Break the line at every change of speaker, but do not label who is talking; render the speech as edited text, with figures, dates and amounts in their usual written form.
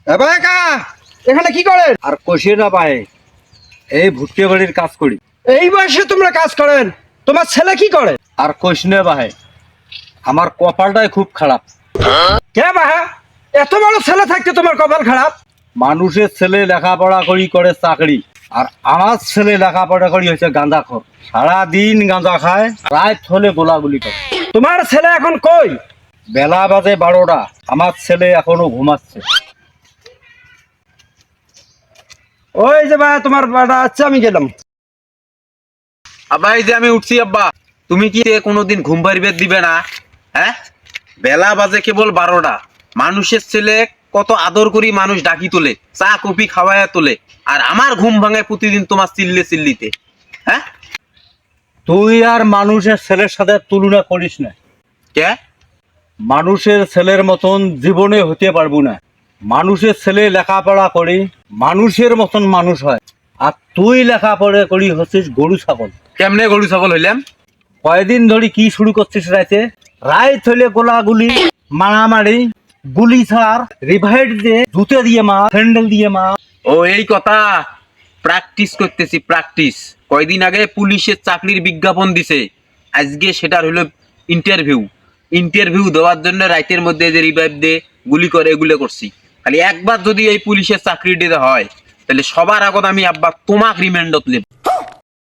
এখানে কি করেন?
আর কষিয়ে না ভাই, এই ভুট্টে বাড়ির কাজ করি।
এই বয়সে তোমরা কাজ করেন? তোমার ছেলে কি করে?
আর কষিনে ভাই, আমার কপালটাই খুব খারাপ।
কে বাহা, এত বড় ছেলে থাকতে তোমার কপাল খারাপ?
মানুষের ছেলে লেখাপড়া করে চাকরি, আর আমার ছেলে লেখাপড়া করি হচ্ছে গাঁজাখোর। সারাদিন গাঁজা খায়, রাত হলে গোলাগুলি করে।
তোমার ছেলে এখন কই?
বেলা বাজে 12টা, আমার ছেলে এখনো ঘুমাচ্ছে।
ওই যে ভাই তোমার বাড়া, আচ্ছা আমি গেলাম।
আব্বা এই যে আমি উঠছি আব্বা, তুমি কি কোনোদিন ঘুম পাড়িবে দিবে না? হ্যাঁ, বেলা বাজে কেবল 12টা, মানুষের ছেলে কত আদর করি মানুষ ডাকি তোলে, চা কফি খাওয়াইয়া তোলে, আর আমার ঘুম ভাঙায় প্রতিদিন তোমার চিল্লিতে। হ্যাঁ,
তুই আর মানুষের ছেলের সাথে তুলনা করিস না।
কে?
মানুষের ছেলের মতন জীবনে হতে পারবো না। মানুষের ছেলে লেখাপড়া করি মানুষের মতন মানুষ হয়, আর তুই লেখাপড়া করি হচ্ছিস গরু ছাগল।
কেমনে গরু ছাগল হইলাম?
কয়দিন ধরে কি শুরু করছিস রাইতে? রাইত হইলে গোলাগুলি, মারামারি, গুলি ছাড়, রিভাইড দিয়ে, জুতে দিয়ে মা, স্যান্ডেল দিয়ে মা।
ও এই কথা, প্র্যাকটিস করতেছি প্র্যাকটিস। কয়দিন আগে পুলিশের চাকরির বিজ্ঞাপন দিছে, আজকে সেটার হলো ইন্টারভিউ দেওয়ার জন্য রাইতের মধ্যে যে রিভাইভ দে, গুলি করে, এগুলো করছি। খালি একবার যদি এই পুলিশের চাকরি দিতে হয়, তাহলে সবার আগত আমি আব্বা তোমাক রিমান্ডত নেব।